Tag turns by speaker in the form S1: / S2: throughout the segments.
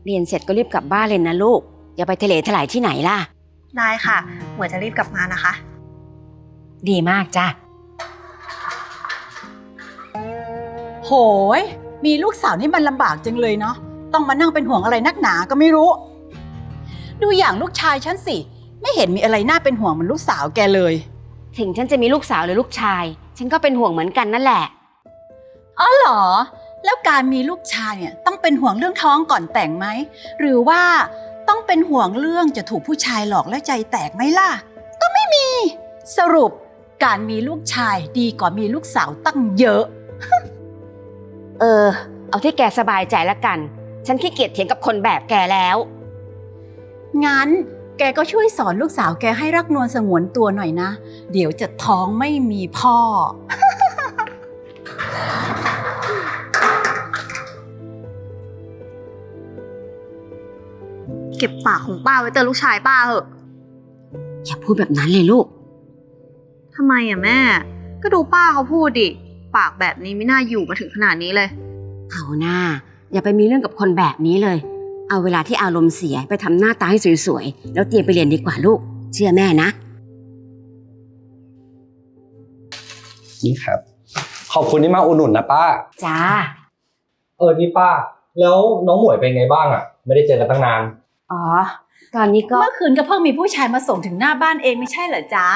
S1: เรียนเสร็จก็รีบกลับบ้านเลยนะลูกอย่าไปทะเลถลายที่ไหนล่ะ
S2: ได้ค่ะหมวยจะรีบกลับมานะคะ
S1: ดีมากจ้ะ
S3: โหยมีลูกสาวนี่มันลำบากจังเลยเนาะต้องมานั่งเป็นห่วงอะไรนักหนาก็ไม่รู้ดูอย่างลูกชายฉันสิไม่เห็นมีอะไรน่าเป็นห่วงเหมือนลูกสาวแกเลย
S1: ถึงฉันจะมีลูกสาวหรือลูกชายฉันก็เป็นห่วงเหมือนกันนั่นแหละ
S3: อ๋อเหรอแล้วการมีลูกชายเนี่ยต้องเป็นห่วงเรื่องท้องก่อนแต่งไหมหรือว่าต้องเป็นห่วงเรื่องจะถูกผู้ชายหลอกแล้วใจแตกไหมล่ะก็ไม่มีสรุปการมีลูกชายดีกว่ามีลูกสาวตั้งเยอะ
S1: เอาที่แกสบายใจละกันฉันขี้เกียจเถียงกับคนแบบแกแล้ว
S3: งั้นแกก็ช่วยสอนลูกสาวแกให้รักนวลสงวนตัวหน่อยนะเดี๋ยวจะท้องไม่มีพ่อ
S2: เก็บปากของป้าไว้เตือนลูกชายป้าเหอะ
S1: อย่าพูดแบบนั้นเลยลูก
S2: ทำไมอ่ะแม่ก็ดูป้าเขาพูดดิปากแบบนี้ไม่น่าอยู่มาถึงขนาดนี้เลย
S1: เอาหน้าอย่าไปมีเรื่องกับคนแบบนี้เลยเอาเวลาที่อารมณ์เสียไปทำหน้าตาให้สวยๆแล้วเตรียมไปเรียนดีกว่าลูกเชื่อแม่นะ
S4: นี่ครับขอบคุณที่มาอุดหนุนนะป้า
S1: จ้า
S4: นี่ป้าแล้วน้องหมวยเป็นไงบ้างอ่ะไม่ได้เจอกันตั้งนาน
S1: อ๋อตอนนี้ก็
S3: เมื่อคืนก็เพิ่งมีผู้ชายมาส่งถึงหน้าบ้านเองไม่ใช่เหรอจ๊ะ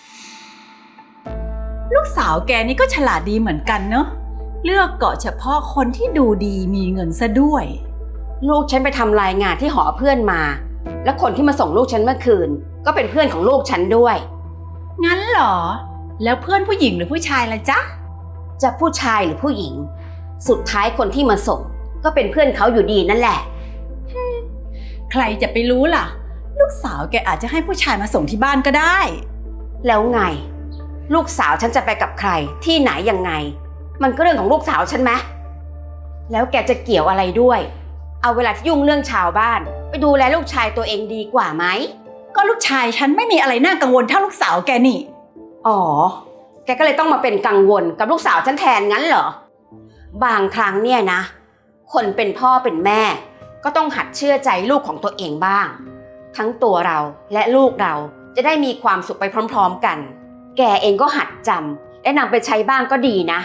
S3: ลูกสาวแกนี่ก็ฉลาดดีเหมือนกันเนอะเลือกเกาะเฉพาะคนที่ดูดีมีเงินซะด้วย
S1: ลูกฉันไปทำรายงานที่หอเพื่อนมาแล้วคนที่มาส่งลูกฉันเมื่อคืนก็เป็นเพื่อนของลูกฉันด้วย
S3: งั้นเหรอแล้วเพื่อนผู้หญิงหรือผู้ชายล่ะจ๊ะ
S1: จะผู้ชายหรือผู้หญิงสุดท้ายคนที่มาส่งก็เป็นเพื่อนเขาอยู่ดีนั่นแหละ
S3: ใครจะไปรู้ล่ะลูกสาวแกอาจจะให้ผู้ชายมาส่งที่บ้านก็ได้
S1: แล้วไงลูกสาวฉันจะไปกับใครที่ไหนยังไงมันก็เรื่องของลูกสาวฉันไหมแล้วแกจะเกี่ยวอะไรด้วยเอาเวลาที่ยุ่งเรื่องชาวบ้านไปดูแลลูกชายตัวเองดีกว่าไหม
S3: ก็ลูกชายฉันไม่มีอะไรน่ากังวลเท่าลูกสาวแกนี่
S1: อ๋อแกก็เลยต้องมาเป็นกังวลกับลูกสาวฉันแทนงั้นเหรอบางครั้งเนี่ยนะคนเป็นพ่อเป็นแม่ก็ต้องหัดเชื่อใจลูกของตัวเองบ้างทั้งตัวเราและลูกเราจะได้มีความสุขไปพร้อมๆกันแกเองก็หัดจำและนำไปใช้บ้างก็ดีนะ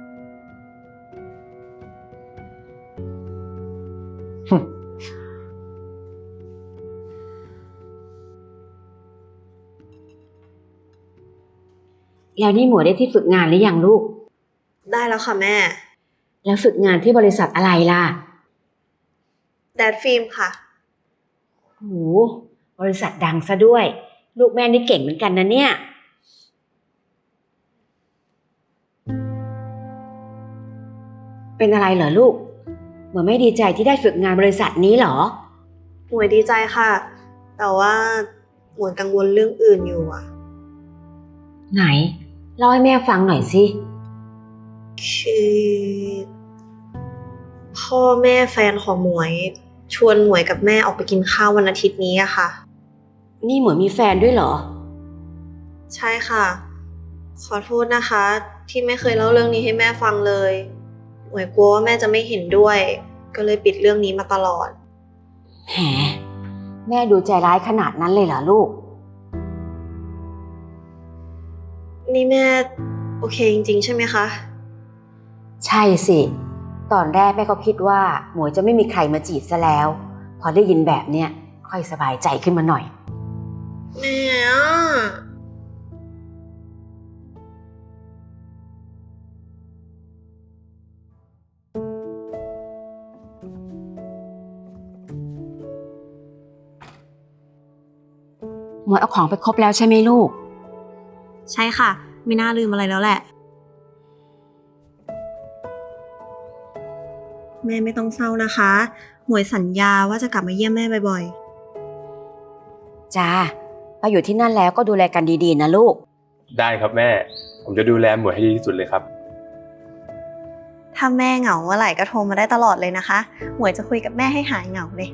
S1: แล้วนี่หมวยได้ที่ฝึกงานหรือยังลูก
S2: ได้แล้วค่ะแม่
S1: แล้วฝึกงานที่บริษัทอะไรล่ะ
S2: แดดฟิล์มค่ะ
S1: โหบริษัทดังซะด้วยลูกแม่นี่เก่งเหมือนกันนะเนี่ยเป็นอะไรเหรอลูกหมวยไม่ดีใจที่ได้ฝึกงานบริษัทนี้เหรอ
S2: หมวยดีใจค่ะแต่ว่าหมวยกังวลเรื่องอื่นอยู่อะ
S1: ไหนเล่าให้แม่ฟังหน่อยสิ
S2: คือพ่อแม่แฟนของหมวยชวนหมวยกับแม่ออกไปกินข้าววันอาทิตย์นี้อะค่ะ
S1: นี่หมวยมีแฟนด้วยเหรอ
S2: ใช่ค่ะขอโทษนะคะที่ไม่เคยเล่าเรื่องนี้ให้แม่ฟังเลยหมวยกลัวว่าแม่จะไม่เห็นด้วยก็เลยปิดเรื่องนี้มาตลอด
S1: แหมแม่ดูใจร้ายขนาดนั้นเลยเหรอลูก
S2: นี่แม่โอเคจริงๆใช่ไหมคะ
S1: ใช่สิตอนแรกแม่ก็คิดว่าหมวยจะไม่มีใครมาจีบซะแล้วพอได้ยินแบบเนี้ยค่อยสบายใจขึ้นมาหน่อย
S2: แม่
S1: หมวยเอาของไปครบแล้วใช่ไหมลูก
S2: ใช่ค่ะไม่น่าลืมอะไรแล้วแหละแม่ไม่ต้องเศร้านะคะหมวยสัญญาว่าจะกลับมาเยี่ยมแม่บ่อย
S1: ๆจ้าไปอยู่ที่นั่นแล้วก็ดูแลกันดีๆนะลูก
S4: ได้ครับแม่ผมจะดูแลหมวยให้ดีที่สุดเลยครับ
S2: ถ้าแม่เหงาเมื่อไหร่ก็โทรมาได้ตลอดเลยนะคะหมวยจะคุยกับแม่ให้หายเหงาเลย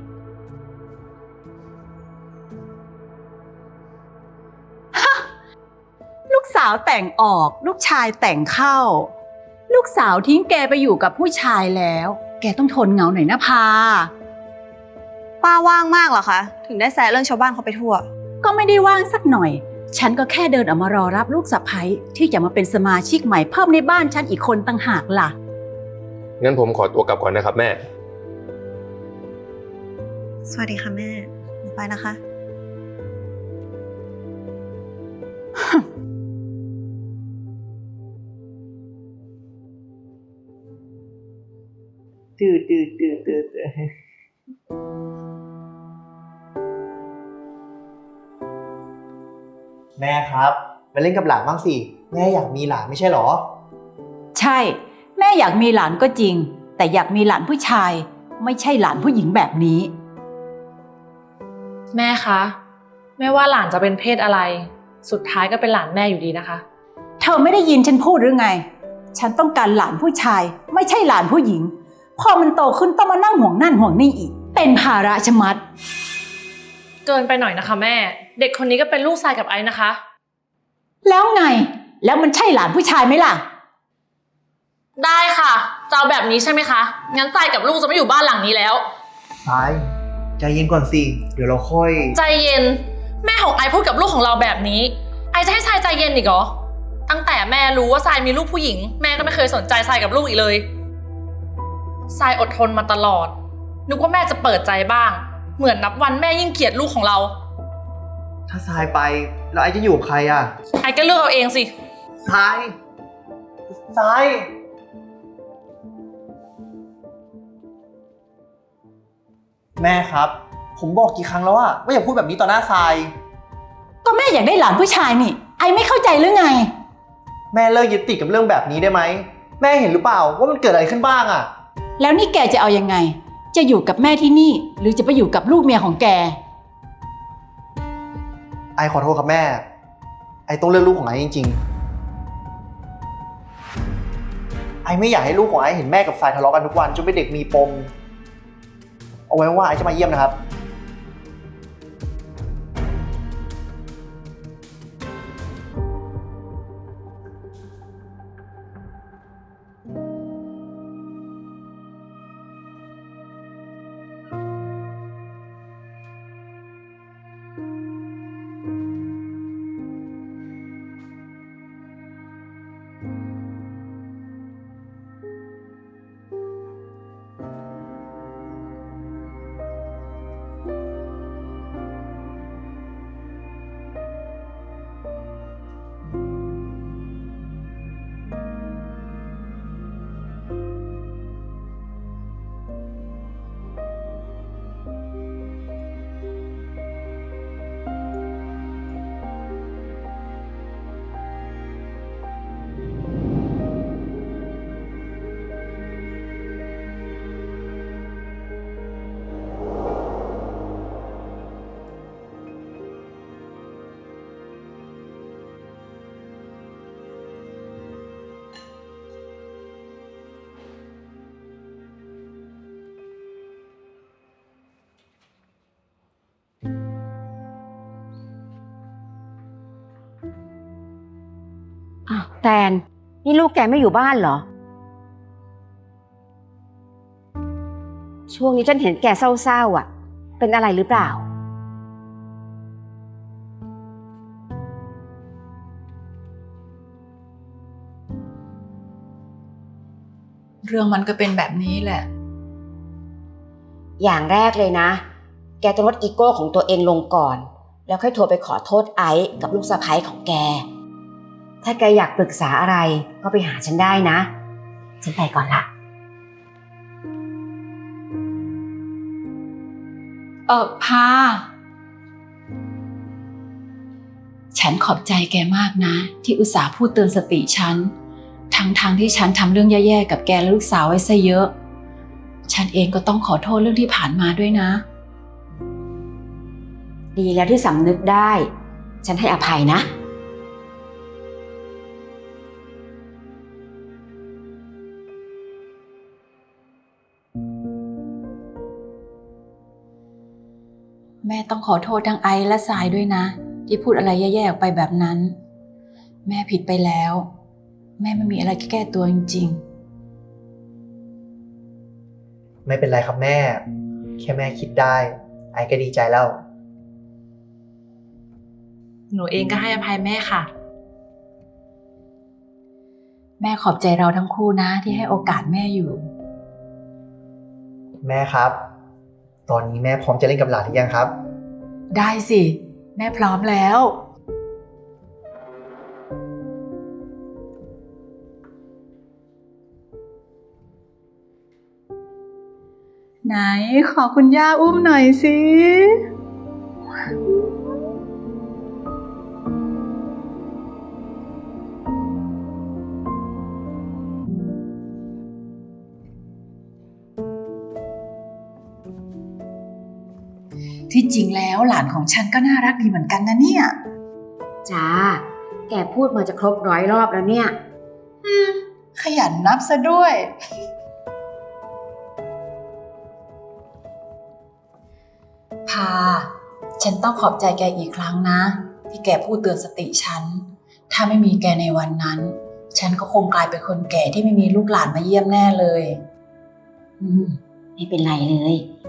S3: ลูกสาวแต่งออกลูกชายแต่งเข้าลูกสาวทิ้งแกไปอยู่กับผู้ชายแล้วแกต้องทนเหงาหน่อยนะพา
S2: ป้าว่างมากเหรอคะ ถึงได้แซะเรื่องชาวบ้านเขาไปทั่ว
S3: ก็ไม่ได้ว่างสักหน่อย ฉันก็แค่เดินออกมารอรับลูกสะใภ้ที่จะมาเป็นสมาชิกใหม่เพิ่มในบ้านฉันอีกคนต่างหากล่ะ
S5: งั้นผมขอตัวกลับก่อนนะครับแม่
S2: สวัสดีค่ะแม่หนูไปนะคะ
S6: แม่ครับไปเล่นกับหลานบ้างสิ แม่อยากมีหลานไม่ใช่หรอ
S3: ใช่ แม่อยากมีหลานก็จริง แต่อยากมีหลานผู้ชาย ไม่ใช่หลานผู้หญิงแบบนี้
S7: แม่คะไม่ว่าหลานจะเป็นเพศอะไร สุดท้ายก็เป็นหลานแม่อยู่ดีนะคะ
S3: เธอไม่ได้ยินฉันพูดหรือไง ฉันต้องการหลานผู้ชาย ไม่ใช่หลานผู้หญิง พอมันโตขึ้นต้องมานั่งห่วงนั่นห่วงนี่อีก เป็นภาระชะมัด
S7: เกินไปหน่อยนะคะแม่ เด็กคนนี้ก็เป็นลูกชายกับไอ้นะคะ
S3: แล้วไง แล้วมันใช่หลานผู้ชายไหมล่ะ
S7: ได้ค่ะจะเอาแบบนี้ใช่ไหมคะงั้นใจกับลูกจะไม่อยู่บ้านหลังนี้แล้ว
S6: ทราย ใจเย็นก่อนสิ เดี๋ยวเราค่อย
S7: ใจเย็นแม่ของไอพูดกับลูกของเราแบบนี้ ไอจะให้ทรายใจเย็นอีกเหรอตั้งแต่แม่รู้ว่าทรายมีลูกผู้หญิงแม่ก็ไม่เคยสนใจทรายกับลูกอีกเลยทรายอดทนมาตลอดนึกว่าแม่จะเปิดใจบ้างเหมือนนับวันแม่ยิ่งเกลียดลูกของเรา
S6: ถ้าทรายไปแล้วไอจะอยู่กับใครอ่ะ
S7: ไอก็เลือกเอาเองสิ
S6: ทราย ทราย แม่ครับ ผมบอกกี่ครั้งแล้วอะว่าอย่าพูดแบบนี้ต่อหน้าทราย
S3: ก็แม่อยากได้หลานผู้ชายนี่ ไอไม่เข้าใจหรือไง
S6: แม่เลิกยึดติดกับเรื่องแบบนี้ได้ไหม แม่เห็นหรือเปล่าว่ามันเกิดอะไรขึ้นบ้างอะ
S3: แล้วนี่แกจะเอายังไง จะอยู่กับแม่ที่นี่ หรือจะไปอยู่กับลูกเมียของแก
S6: ไอขอโทษครับแม่ ไอต้องเลือกลูกของไอจริงๆ ไอไม่อยากให้ลูกของไอเห็นแม่กับทรายทะเลาะกันทุกวันจนเป็นเด็กมีปม เอาไว้ว่าไอจะมาเยี่ยมนะครับ
S1: อ้าวแตนนี่ลูกแกไม่อยู่บ้านเหรอ ช่วงนี้ฉันเห็นแกเศร้าๆอ่ะ เป็นอะไรหรือเปล่า
S3: เรื่องมันก็เป็นแบบนี้แหละ
S1: อย่างแรกเลยนะ แกต้องลดอีโก้ของตัวเองลงก่อน แล้วค่อยโทรไปขอโทษไอซ์กับลูกสะใภ้ของแก ถ้าแกอยากปรึกษาอะไรก็ไปหาฉันได้นะ ฉันไปก่อนละ
S3: พา ฉันขอบใจแกมากนะ ที่อุตส่าห์พูดเตือนสติฉัน ทั้งที่ฉันทำเรื่องแย่ๆกับแกและลูกสาวไว้ซะเยอะ ฉันเองก็ต้องขอโทษเรื่องที่ผ่านมาด้วยนะ
S1: ดีแล้วที่สำนึกได้ ฉันให้อภัยนะ
S3: แม่ต้องขอโทษทั้งไอซ์และทรายด้วยนะ ที่พูดอะไรแย่ๆออกไปแบบนั้น แม่ผิดไปแล้ว แม่ไม่มีอะไรแก้ตัวจริงๆ
S6: ไม่เป็นไรครับแม่ แค่แม่คิดได้ไอก็ดีใจแล้ว
S7: หนูเองก็ให้อภัยแม่ค่ะ
S3: แม่ขอบใจเราทั้งคู่นะที่ให้โอกาสแม่อยู่
S6: แม่ครับ ตอนนี้แม่พร้อมจะเล่นกับหลานหรือยังครับ
S3: ได้สิ แม่พร้อมแล้ว ไหนขอคุณย่าอุ้มหน่อยสิ ที่จริงแล้วหลานของฉันก็น่ารักดีเหมือนกันนะเนี่ย
S1: จ้า แกพูดมาจะครบ100 รอบแล้วเนี่ย
S3: ขยันนับซะด้วย พา ฉันต้องขอบใจแกอีกครั้งนะ ที่แกพูดเตือนสติฉัน ถ้าไม่มีแกในวันนั้น ฉันก็คงกลายเป็นคนแก่ที่ไม่มีลูกหลานมาเยี่ยมแน่เลย
S1: ไม่เป็นไรเลย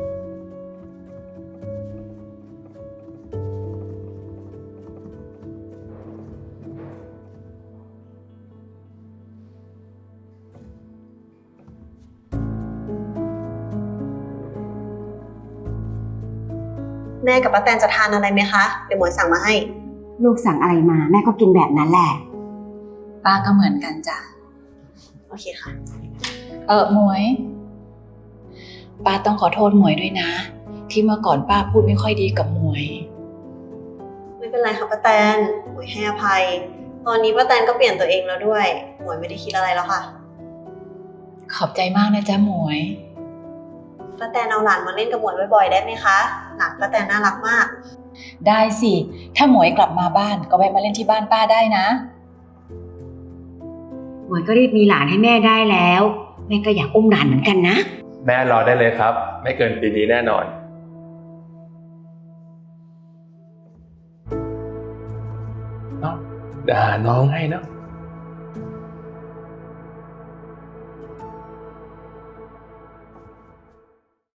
S2: แม่กับป้าแตนจะทานอะไรไหมคะ เดี๋ยวหมวยสั่งมาให้
S1: ลูกสั่งอะไรมาแม่ก็กินแบบนั้นแหละ
S3: ป้าก็เหมือนกันจ้ะ
S2: โอเคค่ะ
S3: หมวย ป้าต้องขอโทษหมวยด้วยนะ ที่เมื่อก่อนป้าพูดไม่ค่อยดีกับหมวย
S2: ไม่เป็นไรค่ะป้าแตน หมวยให้อภัย ตอนนี้ป้าแตนก็เปลี่ยนตัวเองแล้วด้วย หมวยไม่ได้คิดอะไรแล้วค่ะ
S3: ขอบใจมากนะจ๊ะหมวย
S2: ป้าแตนเอาหลานมาเล่นกับหมวยบ่อยๆได้ไหมคะ หลานป้าแตนน่ารักมาก
S3: ได้สิ ถ้าหมวยกลับมาบ้านก็แวะมาเล่นที่บ้านป้าได้นะ
S1: หมวยก็รีบมีหลานให้แม่ได้แล้ว แม่ก็อยากอุ้มหลานเหมือนกันนะ
S5: แม่รอได้เลยครับ ไม่เกินปีนี้แน่นอนเนาะด่าน้องให้เนาะ